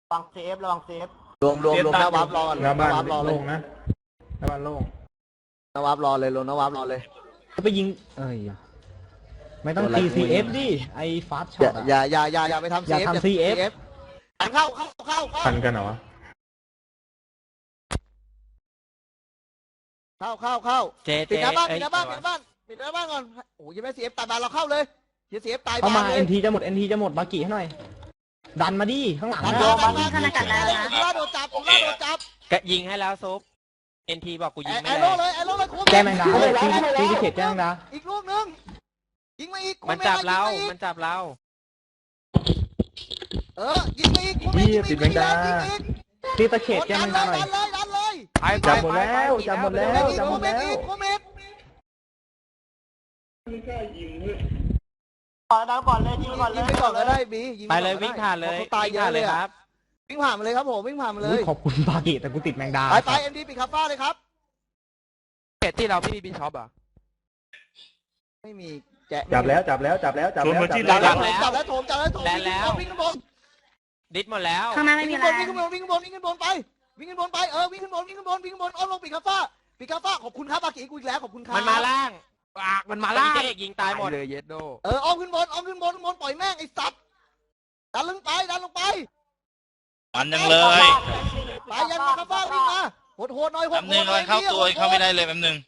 ระวังเซฟระวังเซฟรวมหน้าวาร์ปรอก่อนหน้าบ้านวาร์ปรอเลโล่ยงนะหน้าบ้านโล่งหน้าวาร์ปรอเลยรวมหน้าวาร์ปรอเลยจะไปยิงไม่ต้อง TCF ดิไอ้ฟาสช็อตอย่าไปทำอย่าทำ CF เข้าทันกันเหรอวะเข้าปิดหน้าบ้านก่อนโอ้ยยังไม่ CF ตายบ้านเราเข้าเลยอย่า CF ตายเข้าบ้านมาเลย NT จะหมด NT จะหมดบากิให้หน่อยดันมาดิข้างหลังดันนะมาล่าโดนจับกะยิงให้แล้วซุปเอ็นทีบอกกูยิงไม่แอได้โร่เลยคุ้มแจ้งแมงดาเลยตีเขตแจ้งแมงดาอีกลูกนึงยิงมาอีกมันจับเรายิงอีกยิงมาอีกตีตะเขตแจ้งแมงดาหน่อยดันเลยจับหมดแล้วจับหมดแล้วคุมอีกก่อนเลยยิงก่อนเลยิงยไปก่อนก็ได้บียิงไปเลยวิ่งผ่านเลยตายเยอะเลยคครัรับบ วิ่งผ่านมาเลยครับผมวิ่งผ่านมาเลยขอบคุณบากิแต่กูติดแมงดาไปเอ็มดีปิดคาฟ้าเลยครับเขตที่เราพี่มีบินช็อปอ่ะไม่มีแจะจับแล้วจับแล้วโถมวิ่งขึ้นบนดิสหมดแล้วข้างหน้าไม่มีอะไรวิ่งขึ้นบนไปวิ่งขึ้นบนวิ่งขึ้นบนอ้อมลงปิดคาฟ้าขอบคุณครับบากิกูอีกแล้วขอบคุณครับมันมาล่างมันมาล่างเจ๊ยิงตายหมดเลยเยสโดอ้อมขึ้นบนปล่อยแม่งไอ้สัตว์ดันลงไปมันยังเลยไปยันมาคาฟ้าวิ่งมาโหดหน่อยแป๊บนึงอะไรเข้าตัวเข้าไม่ได้เลยแป๊บนึง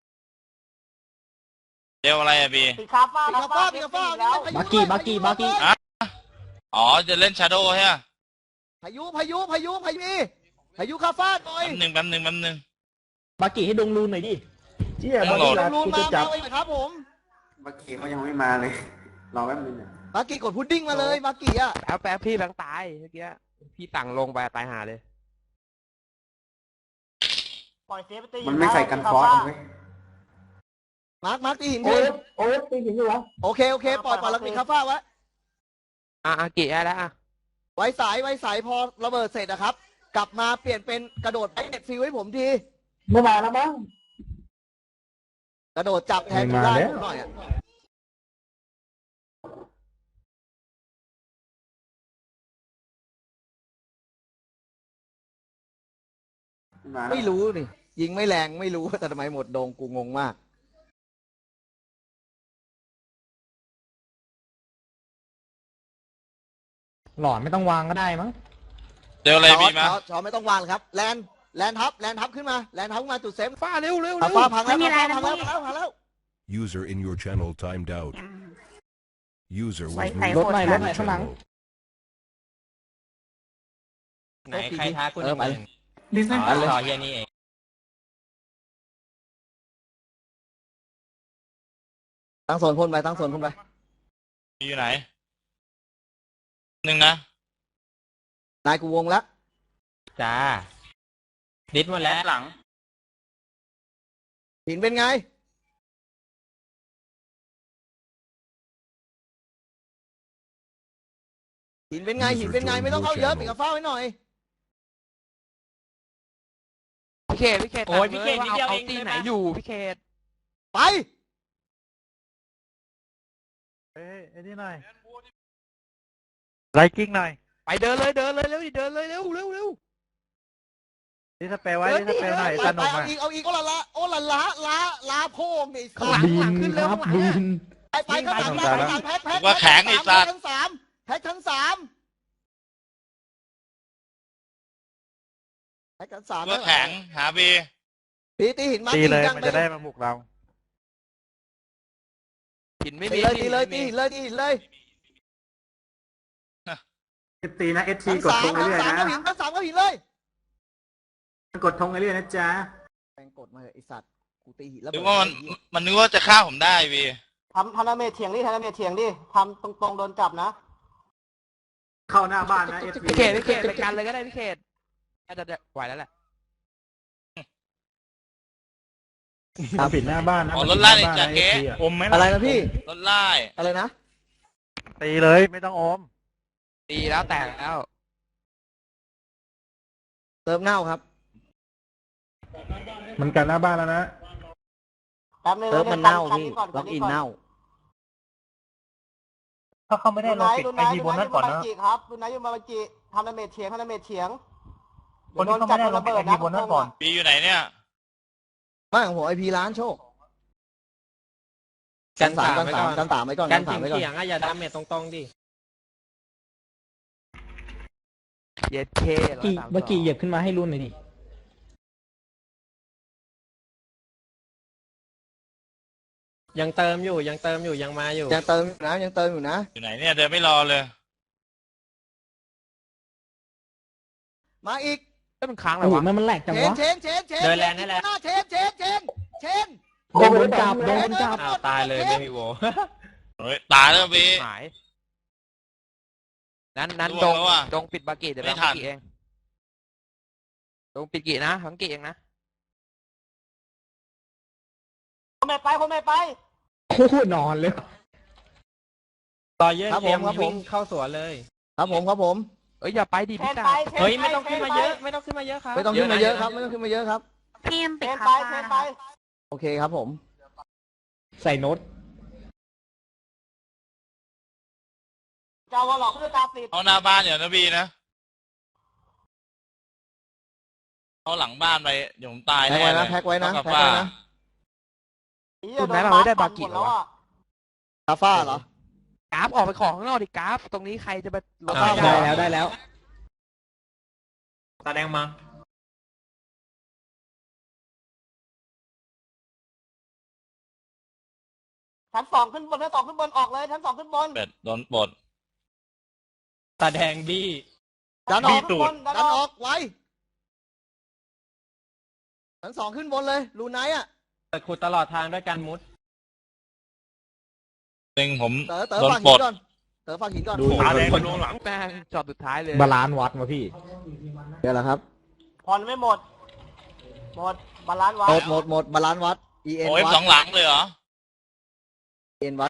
เดี๋ยวอะไรอะบีปิดคาฟ้าปิดคาฟ้าแล้วบากิอ๋อจะเล่นชาโดว์ใช่ไหมพายุคาฟ้าหน่อยแป๊บนึงบากิให้ดงรูนหน่อยดิเจี๊ยบอลรูกูมาจะจับเลยครับผมเมื่อกี้เขายังไม่มาเลย รอแป๊บนึงอ่ะบากิกดพุดดิ้งมาเลยบากิอ่ะแป๊บพี่แบงค์ตายเมื่อกี้พี่สั่งลงไปตายหาเลยปล่อยเซฟไปตีมันไม่ใส่กันฟอสเอาไว้มาร์คตีหินดิตีหินอยู่วะโอเคปล่อยแล้วปิดคาฟ้าไว้กี่ได้แล้วไว้สายพอระเบิดเสร็จนะครับ กลับมาเปลี่ยนเป็นกระโดดไอเน็ตฟิวให้ผมทีไม่มาแล้วมั้งกระโดดจับแทนได้ผมหน่อยอ่ะไม่รู้นี่ยิงไม่แรงไม่รู้แต่ทำไมหมดโดงกูงงมากหลอนไม่ต้องวางก็ได้มั้งเดี๋ยวอะไรบีมาชอไม่ต้องวางครับแลนทับขึ้นมาจุดเซฟฟ้าเร็วฟ้าพังแล้ว พังแล้ว User in your channel timed out. User was Wi-Fi moved รถหน่อย to ร your ถหน่อยข้างหลัง channel. ไหนใครท้าคุณไปต่อเฮียนี่เองตั้งโซนพ่นไปอยู่ไหนหนึ่งนะนายกูวงแล้วจ้าดิสหมดแล้วหลังหินเป็นไงหินเป็นไงไม่ต้องเข้าเยอะปิดกระฟ้าไว้หน่อยพี่เขตโอ้ยพี่เขตนิดเดียวเองตีไหนอยู่พี่เขตไปไอ้นี่หน่อยไลกิ้งหน่อยไปเดินเลยเร็วนี่สเปรย์ไว้นี่สเปรย์หน่อยสนุกเอาอ่ะอีกโอลาโพงไอ้สัตว์บินครับบินไปข้างหลังแพ็คชั้นสามแพ็คชั้นสามตัวแข็งหาบีตีหินมาตีเลยมันจะได้มาบุกเราหินไม่ตีมีเลยตีนะเอสทีกดธงเรื่อยๆนะชั้นสามก็หินเลยกดธงเรื่อยๆนะจ๊ะแม่งกดมาไอสัตว์กูตีหินแล้วนึกว่ามันนึกว่าจะฆ่าผมได้บีทำดาเมจเถียงดิทำตรงโดนจับนะเข้าหน้าบ้านนะเอสทีพี่เขตไปกันเลยก็ได้พี่เขตน่าจะไหวแล้วแหละปิดหน้าบ้านนะอ๋อรถไล่ในจากเก๊อมไหมอะไรนะพี่รถไล่อะไรนะตีเลยไม่ต้องอมตีแล้วแตกแล้วเติมเน่าครับมันกันหน้าบ้านแล้วนะแป๊บนึงเติมมันเน่าพี่ล็อกอินเน่าถ้าเขาไม่ได้ดูเราไหนปิดดูไหนไอทีบนนั้นก่อนนะครับดูไหนอยู่มาบัจิทำดาเมจเถียงทำดาเมจเถียงคนที่เขาไม่ได้ลงเป็นไอพีบนนั้นก่อนบีอยู่ไหนเนี่ยบ้านของผมไอพีร้านโชคกันสามไว้ก่อนกันสามไว้ก่อนการเถียงอะอย่าดาเมจตรงๆดิเย็ดเคเมื่อกี้เหยียบขึ้นมาให้รุ่นหน่อยดิยังเติมอยู่ยังมาอยู่ยังเติมอยู่นะยังเติมอยู่นะอยู่ไหนเนี่ยเดินไม่รอเลยมาอีกก็มันค้างเลโอ้ยโหวะมันแหลกจังเชนวะเชนเชนเชนเดินแรงให้แรงเชนเชนโดนจับโดนจับอ้าวตายเลยไม่มีโวเฮ้ยตายแล้วบีหายนั้นล่วงแล้วอะดงปิดบากิเดี๋ยวไม่บังทันกิเองดงปิดกินะบังกิเองนะคนไม่ไปคนไม่ไปโอ้โหนอนเลยต่อเยอะครับเตรียมผมวิ่งเข้าสวนเลยครับผมเอ้ยอย่าไปดิเทพี่นตาไปเทนเฮ้ยไปไม่ต้องขึ้นมาทเยอะไม่ต้องขึ้นมาเยอะครับไม่ต้องขึ้นมาเยอะครับไม่ต้องขึ้นมาเยอะครับพี่ยังเทติดนคาไปฟ้าเทนนะไปโอเคครับผมใส่โน้ตเจ้าวอลล็อกด้วยตาปิดเอาหน้าบ้านเดี๋ยวนะบีนะเอาหลังบ้านไปเดี๋ยวผมตายแพ็กแน่ไว้เลนะยแพ็กไว้นะเท่ากับแพ็กไว้ว่านะคุณไหนเราไม่ได้บากิหมเหรแล้วอวะอ่ะคาฟ้าเหรอกราฟออกไปของข้างนอกดิกราฟตรงนี้ใครจะไปลงได้แล้วตาแดงมาชั้นสองขึ้นบนชั้นสองขึ้นบนออกเลยชั้นสองขึ้นบนเป็ดโดนปลดตาแดงบี้ดันออกขึ้นบนดันดันออออก กไว้ชั้นสองขึ้นบนเลยรูไนท์อ่ะเปิดขุดตลอดทางด้วยการมุดหนึ่งผมเต๋อโดนฝากปลหิดนก่อนเต๋อฝากหินก่อนตาแดงลงหลังแม่งจอบสุดท้ายเลยบาลานซ์วัดมาพี่เดี๋ยวแหละครับผ่อนไม่หมด หมดบาลานซ์วัดหมดบาลานซ์วัด EN โอ้ยวัดสองหลังเลยเหรอ EN วัด